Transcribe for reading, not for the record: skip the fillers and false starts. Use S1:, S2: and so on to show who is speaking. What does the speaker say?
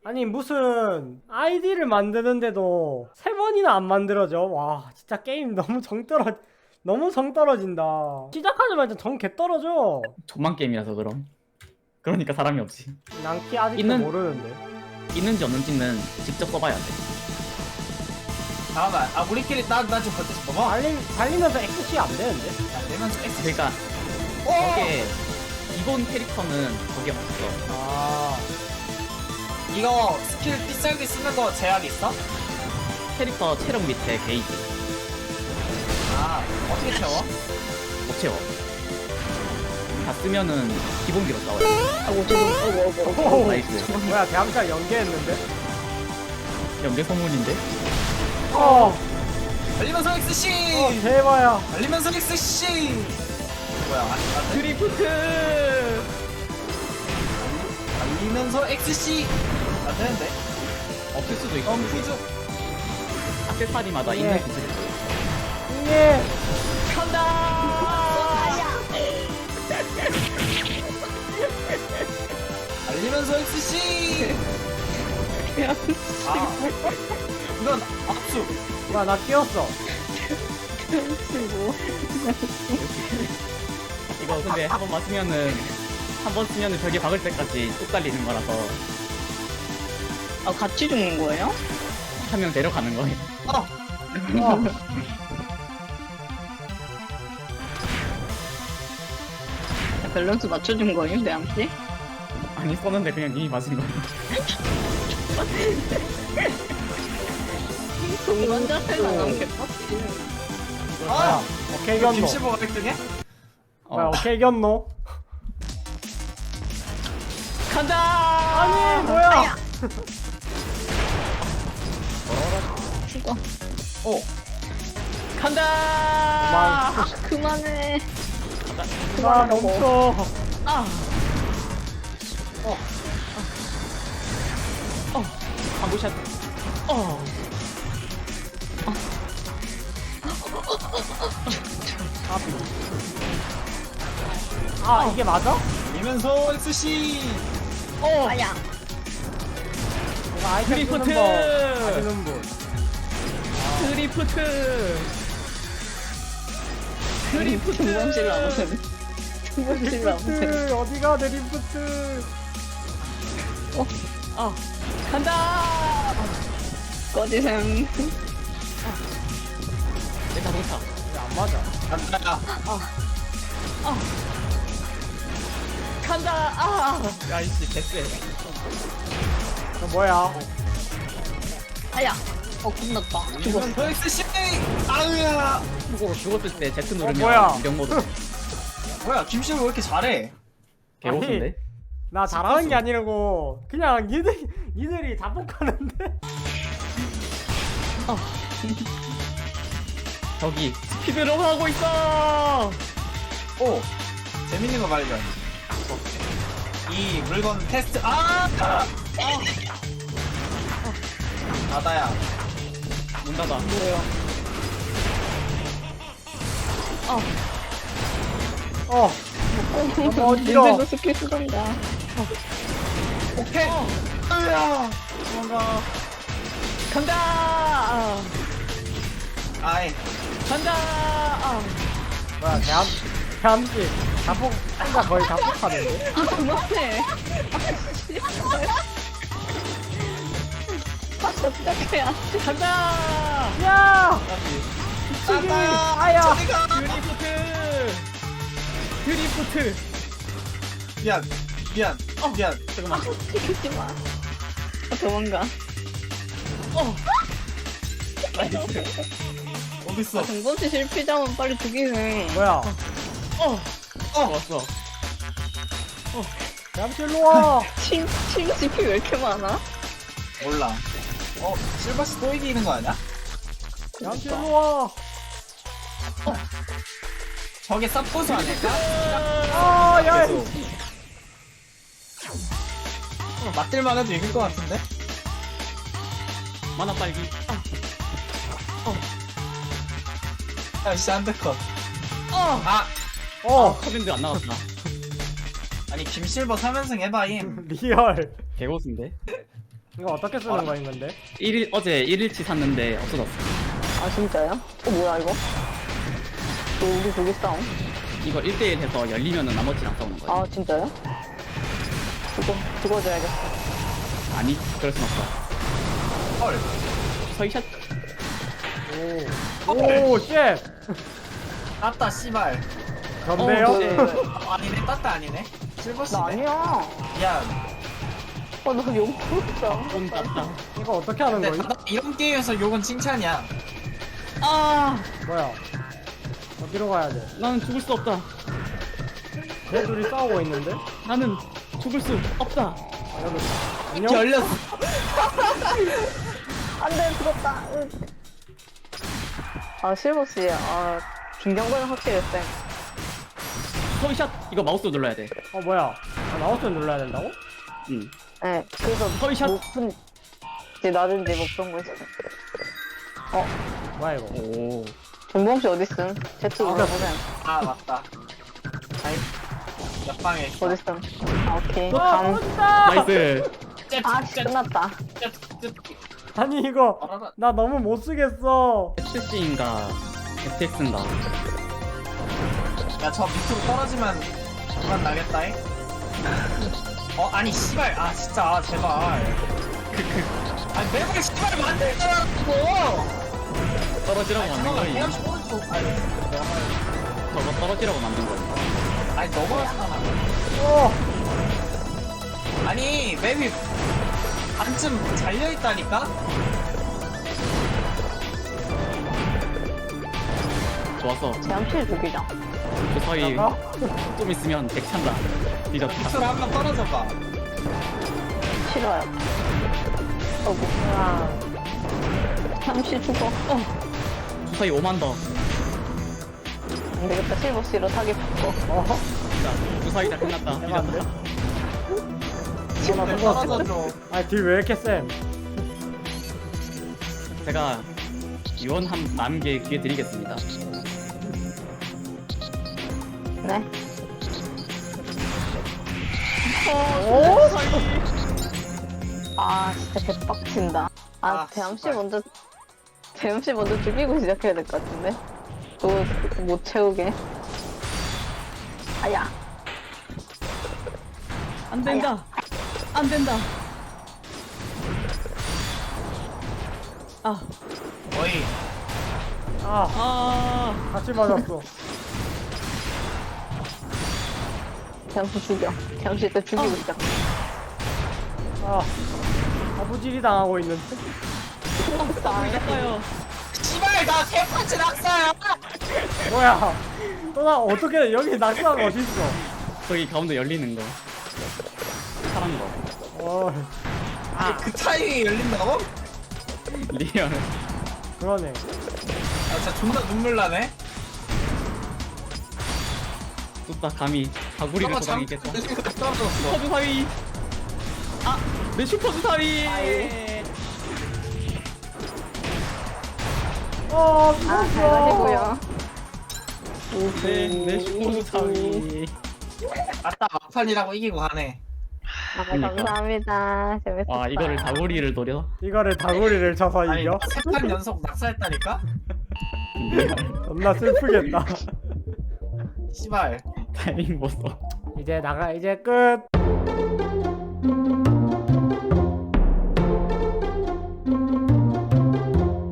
S1: 아니 무슨 아이디를 만드는데도 3번이나 안 만들어져. 와 진짜 게임 너무 정 떨어진다. 시작하자마자 정 개 떨어져.
S2: 존만 게임이라서 그럼. 그러니까 사람이 없지.
S1: 난키 아직도
S2: 있는-
S1: 모르는데.
S2: 있는지 없는지는 직접 써봐야 돼.
S3: 잠깐만, 우리끼리 나 좀 걷고 싶어. 뭐?
S1: 달리면서 XC 안 되는데?
S3: 내면서 X.
S2: 그러니까 거기에 기본 캐릭터는 거기에 없어.
S1: 아
S3: 이거 스킬 삐살기 쓰는 거 제약 있어?
S2: 캐릭터 체력 밑에 게이지
S3: 아, 어떻게 채워?
S2: 못 채워. 다 쓰면은 기본기로 싸워요.
S1: 오,
S2: 나이스.
S1: 뭐야 대함살 연계했는데?
S2: 연계 소문인데?
S3: 달리면서 XC!
S1: 대박이야.
S3: 달리면서 XC! 뭐야, 안 돼?
S2: 드리프트!
S3: 달리면서 XC! 안 되는데?
S2: 없을 수도 있고.
S3: 퓨즈.
S2: 액세서리마다
S1: 예.
S2: 있는 기술이 있어.
S1: 예.
S3: 달리면서 XC! 아, 이건 압수.
S1: 뭐야 나 뛰었어.
S2: 이거 근데 한 번 맞으면은 한 번 쓰면은 벽에 박을 때까지 뚝 달리는 거라서
S4: 아, 같이 죽는 거예요?
S2: 한 명 데려가는 거예요.
S1: 어.
S4: 밸런스 맞춰준 거예요, 내한테?
S2: 아니 쏘는데 그냥 님이 맞은 거예요.
S4: 동반 자체가 너무 개빡치.
S1: 뭐야 오케이
S3: 이거
S1: 견노.
S3: 김치보가 1등해?
S1: 뭐야 오케이 견노.
S2: 간다!
S1: 아니 뭐야?
S4: 죽어.
S3: 어.
S2: 간다!
S4: 그만해.
S1: 나 멈춰.
S2: 방구샷.
S1: 아 이게 맞아?
S3: 달리면서 XC!
S4: 아야.
S1: 내가 아이템 쓰는
S2: 드리프트!
S1: 거 아시는 분.
S2: 드리프트! 드리프트!
S4: 중간실 나오세요. 중간실 나오세요.
S1: 드리프트 어디가 드리프트?
S2: 간다!
S4: 꺼지셈.
S2: 내 자동차.
S1: 왜 안 맞아?
S3: 간다.
S2: 간다! 야이씨 개쎄.
S1: 저 뭐야?
S4: 아야. 끝났다. 죽었어.
S3: 달리면서 XC! 아우야!
S2: 죽었을 때 Z 누르면
S1: 뭐야?
S2: 명모드.
S3: 뭐야, 김치보 왜 이렇게 잘해?
S2: 개고수인데?
S1: 나 잘하는 게 아니라고 그냥 니들이 자폭하는데?
S2: 저기 스피드로 하고 있어!
S3: 오! 재밌는 거 발견. 이 물건 테스트, 나다야.
S2: 문 닫아.
S1: 어 너무 어지러.
S4: 닌텐도 스킬 쓰던가.
S3: 오케이! 아우야!
S1: 뭔가
S2: 간다!
S3: 아이,
S2: 간다!
S1: 뭐야 대함씨 자폭 혼자 거의 자폭하는데?
S4: 아, 그만해. 어떡해야.
S2: 간다!
S1: 야!
S3: 나다야!
S1: 아야!
S3: 저리가!
S2: 드리프트! 드리프트!
S3: 미안.
S2: 잠깐만.
S4: 죽이지 마. 도망가.
S2: 나이스.
S3: 어딨어?
S4: 중간실 실패자면 빨리 죽이네.
S1: 뭐야?
S2: 왔어.
S1: 대함씨 일로 와!
S4: 침 GP 왜 이렇게 많아?
S3: 몰라. 실버스 또 이기는 거 아니야?
S1: 대함씨 일로 와!
S3: 저게 쌉고수 아닐까?
S1: 아, 야!
S3: 계속. 맞들만 해도 이길 것 같은데?
S2: 만화 빨기.
S3: 아씨, 안데컷.
S2: 커밴드 안 나갔다.
S3: 아니, 김실버 3연승 해봐임.
S1: 리얼.
S2: 개고수인데?
S1: 이거 어떻게 쓰는 거인 건데?
S2: 어제 1일치 샀는데 없어졌어.
S4: 아 진짜요? 뭐야 이거? 우리 둘이 싸움?
S2: 이거 1대1 해서 열리면은 나머지랑 싸우는 거야.
S4: 아 진짜요? 죽어줘야겠어.
S2: 아니, 그럴 순 없어.
S3: 헐.
S2: 서이샷.
S1: 오, 쉣!
S3: 땄다 씨발.
S1: 전데요?
S3: 아니네 땄다 아니네.
S4: 나
S3: 실버시네.
S4: 아니야.
S3: 미안.
S4: 나 욕했어.
S2: 좀 땄다.
S1: 이거 어떻게 하는
S3: 근데
S1: 거임?
S3: 이런 게임에서 욕은 칭찬이야.
S2: 아,
S1: 뭐야? 어디로 가야 돼?
S2: 나는 죽을 수 없다.
S1: 쟤 둘이 싸우고 있는데?
S2: 나는 죽을 수 없다.
S1: 여기 안녕?
S3: 열렸어.
S4: 안돼 죽었다. 아 실버씨 김경건은 확실히 쌤.
S2: 서이샷. 이거 마우스 눌러야 돼.
S1: 뭐야? 마우스 눌러야 된다고?
S2: 응.
S4: 네 그래서
S2: 서이샷.
S4: 높은 지 낮은지 뭐 그런 거 있어.
S1: 뭐야 이거?
S2: 오.
S4: 정봉씨 어딨음? 제트 물어보셈.
S3: 아 맞다. 아이 옆방에 있어.
S4: 어딨음? 아 오케이.
S1: 와,
S4: 감.
S1: 떨어진다!
S2: 나이스.
S4: 아 끝났다.
S1: 아니 이거 나 너무 못 쓰겠어.
S2: SC인가 FX인가.
S3: 야저 밑으로 떨어지면 그만 나겠다잉. 아니 씨발 아 진짜 아, 제발. 아니 매번 씨발 만들더라고.
S2: 떨어지라고 만든 거니.
S3: 그냥 오른쪽 아니 내가 말.
S2: 저거 떨어지라고 만든 거니.
S3: 아니 넘어갔잖아.
S1: 어,
S3: 아니 맵이 반쯤 잘려 있다니까.
S2: 좋았어.
S4: 제암실 죽이자.
S2: 그 사이
S1: 나가?
S2: 좀 있으면 백 찬다.
S3: 밑으로
S2: 뒤졌다.
S3: 한번 떨어져 봐.
S4: 싫어요. 뭐야. 잠시 죽어.
S2: 그 사이 5만 더.
S4: 안 되겠다. 실버씨로 사기 바꿔.
S2: 자, 그 사이 다 끝났다.
S1: 해봤는데?
S2: 뒤졌다.
S1: 나
S3: 좀
S1: 죽었어.
S3: 떨어져 줘.
S1: 아니 딜 왜 이렇게 쌤?
S2: 제가 유언 한 남게 기회 드리겠습니다.
S4: 네.
S1: 오?
S4: 아 진짜 개빡친다.
S3: 아,
S4: 대암씨 먼저 죽이고 시작해야 될 것 같은데. 그거 못 채우게. 아야.
S2: 안 된다. 안 된다. 아,
S3: 어이
S1: 아, 같이 맞았어.
S4: 대암씨 죽여. 대암씨 일단 죽이고 시작.
S1: 아부질이 당하고 있는데?
S2: 이겼어요.
S3: 씨발 나 개판치 낙사야.
S1: 뭐야? 또 나 어떻게 여기 낙사가 어딨어?
S2: 거기 가운데 열리는 거. 파란 거.
S3: 그 타이밍에 열린다고?
S2: 리얼.
S1: 그러네.
S3: 아 진짜 존나 눈물 나네.
S2: 뚝딱 감히 가구리를
S3: 저거
S2: 소장했겠다.
S3: 떨어졌어.
S2: 슈퍼 주사위. 아, 내 슈퍼 주사위.
S1: 죽었어.
S4: 잘 가시고요.
S2: 내 슈퍼 주사위.
S3: 아따 막판이라고 이기고 가네.
S2: 그러니까.
S4: 감사합니다. 재밌었다.
S2: 와, 이거를 가구리를 노려.
S1: 이거를 다구리를 쳐서
S3: 아니
S1: 이겨?
S3: 세판 연속 낙사했다니까?
S1: 겁나 슬프겠다.
S3: 씨발.
S2: 타이밍 보소.
S1: 이제 끝.